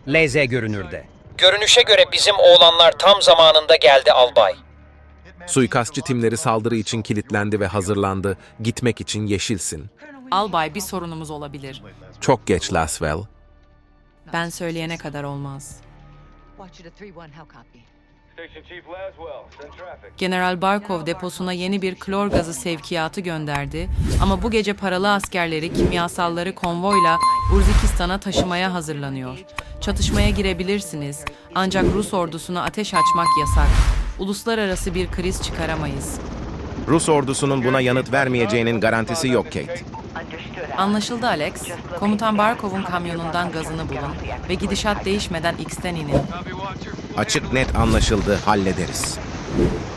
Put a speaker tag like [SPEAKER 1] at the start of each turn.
[SPEAKER 1] LZ görünürde.
[SPEAKER 2] Görünüşe göre bizim oğlanlar tam zamanında geldi albay.
[SPEAKER 3] Suikastçı timleri saldırı için kilitlendi ve hazırlandı. Gitmek için yeşilsin.
[SPEAKER 4] Albay, bir sorunumuz olabilir.
[SPEAKER 3] Çok geç Laswell.
[SPEAKER 4] Ben söyleyene kadar olmaz. General Barkov deposuna yeni bir klor gazı sevkiyatı gönderdi ama bu gece paralı askerleri kimyasalları konvoyla Urzikistan'a taşımaya hazırlanıyor. Çatışmaya girebilirsiniz ancak Rus ordusuna ateş açmak yasak. Uluslararası bir kriz çıkaramayız.
[SPEAKER 5] Rus ordusunun buna yanıt vermeyeceğinin garantisi yok Kate.
[SPEAKER 4] Anlaşıldı Alex. Komutan Barkov'un kamyonundan gazını bulun ve gidişat değişmeden X'ten inin.
[SPEAKER 5] Açık net anlaşıldı, hallederiz.